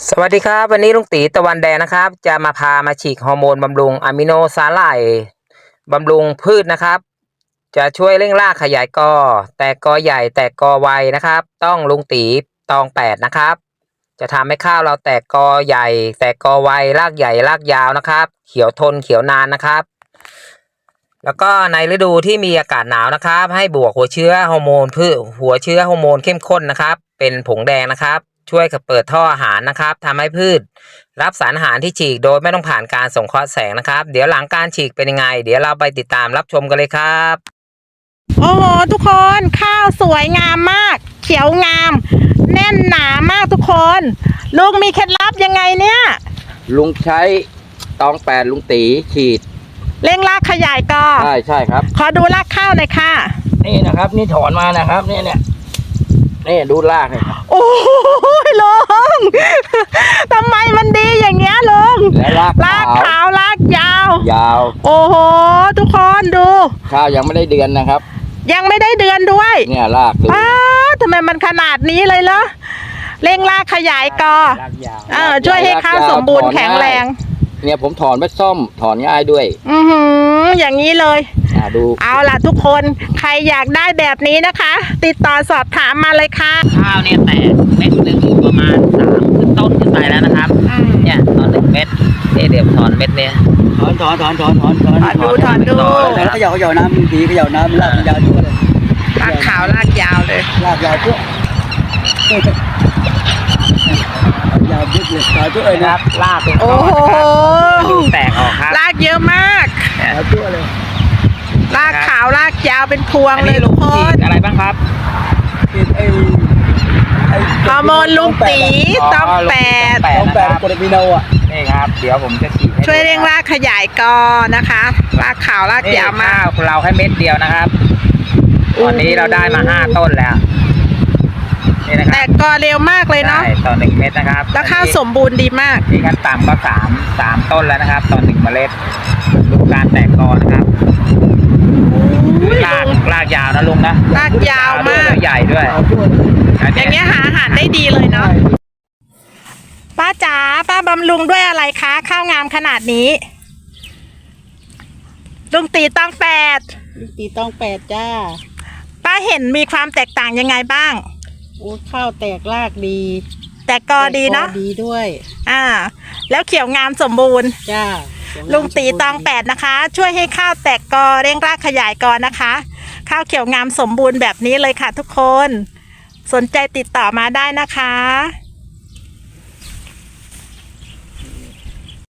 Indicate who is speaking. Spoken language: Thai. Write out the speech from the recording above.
Speaker 1: สวัสดีครับวันนี้ลุงตีตะวันแดงนะครับจะมาพามาฉีกฮอร์โมนบำรุงอะมิโนสาหร่ายบำรุงพืชนะครับจะช่วยเร่งรากขยายกอแตกกอใหญ่แตกกอไวนะครับต้องลุงตีตอง8นะครับจะทำให้ข้าวเราแตกกอใหญ่แตกกอไวรากใหญ่รากยาวนะครับเขียวทนเขียวนานนะครับแล้วก็ในฤดูที่มีอากาศหนาวนะครับให้บวกหัวเชื้อฮอร์โมนพืชหัวเชื้อฮอร์โมนเข้มข้นนะครับเป็นผงแดงนะครับช่วยเปิดท่ออาหารนะครับทำให้พืชรับสารอาหารที่ฉีกโดยไม่ต้องผ่านการส่งเคราะห์แสงนะครับเดี๋ยวหลังการฉีกเป็นยังไงเดี๋ยวเราไปติดตามรับชมกันเลยครับ
Speaker 2: โอ้โหทุกคนข้าวสวยงามมากเขียวงามแน่นหนามากทุกคนลุงมีเคล็ดลับยังไงเนี่ย
Speaker 1: ลุงใช้ตอง8ลุงตีฉีด
Speaker 2: เร่งรากขยายกอ
Speaker 1: ใช่ครับ
Speaker 2: ขอดูรากข้าวหน่อยค่ะ
Speaker 1: นี่นะครับนี่ถอนมานะครับเนี่ยนี่ดูรากเลย
Speaker 2: โอ้ยลุงทำไมมันดีอย่างเงี้ยลุง
Speaker 1: และราก
Speaker 2: ขาวรากยาวโอ้โหทุกคนดู
Speaker 1: ข้าวยังไม่ได้เดือนนะครับ
Speaker 2: ยังไม่ได้เดือนด้วย
Speaker 1: เนี่ยราก
Speaker 2: ทำไมมันขนาดนี้เลยเหรอเร่งรากขยายกอช่วยให้ข้าวสมบูรณ์แข็งแรง
Speaker 1: เนี่ยผมถอนไม่ส้มถอนง่ายด้วย
Speaker 2: อย่างนี้เลย
Speaker 1: ดู
Speaker 2: เอาล่ะทุกคนใครอยากได้แบบนี้นะคะ ติดต่อสอบถามมาเลยค่ะ
Speaker 1: ข้าวเนี่ยแตกเม็ดหนึ่งประมาณ3ขึ้นต้นขึ้นไปแล้วนะครับเนี่ยตอน1 เม็ดเดี๋ยวถอนเม็ดเนี่ยถอน
Speaker 2: ดู
Speaker 3: แล้วเขย่าน้ำดีเขย่าน้ำรากยาวทั่วเลย
Speaker 2: รากขาวรากยาวเลย
Speaker 3: รากยาวทั่วยาวยึดเลยยาวทั่วเลย
Speaker 1: นะครับรากเป็นก้อนแตกออกครับ
Speaker 2: รากเยอะมาก
Speaker 3: ยาวทั่วเลย
Speaker 2: รากขาวรากยาวเป็นพวงเลย
Speaker 1: ลุงฉีดอะไรบ้างครับ
Speaker 2: ฮอร์โมนลุงตีต้อง
Speaker 3: 8โคเดมิโน
Speaker 1: นี่ครับเดี๋ยวผมจะฉีด
Speaker 2: ช่วยเร่งรากขยายกอนะคะรากขาวรากยาวมาก
Speaker 1: เราให้เม็ดเดียวนะครับตอนนี้เราได้มา5 ต้นแล้วนี่นะครับ
Speaker 2: แต่กอเร็วมากเลยเนาะ
Speaker 1: ต่อ1 เม็ดนะครับ
Speaker 2: แล้วข้าวสมบูรณ์ดีมาก
Speaker 1: นี่ขั้นต่ำก็3 ต้นแล้วนะครับต่อ1 เมล็ดดูการแตกกอนะครับรากยาวนะลุงนะ
Speaker 2: รากยาวมาก
Speaker 1: ใหญ่ด้วย
Speaker 2: อย่างเงี้ยหาอาหารได้ดีเลยเนาะป้าจ๋าป้าบำรุงด้วยอะไรคะข้าวงามขนาดนี้ลุงตีต้อง
Speaker 3: 8จ้า
Speaker 2: ป้าเห็นมีความแตกต่างยังไงบ้าง
Speaker 3: ข้าวแตกรากดี
Speaker 2: แตกกอดีเนาะ
Speaker 3: ดีด้วย
Speaker 2: แล้วเขียวงามสมบูรณ์
Speaker 3: จ้า
Speaker 2: ลุงตีตอง8นะคะช่วยให้ข้าวแตกกอเร่งรากขยายกอนะคะข้าวเขียวงามสมบูรณ์แบบนี้เลยค่ะทุกคนสนใจติดต่อมาได้นะคะ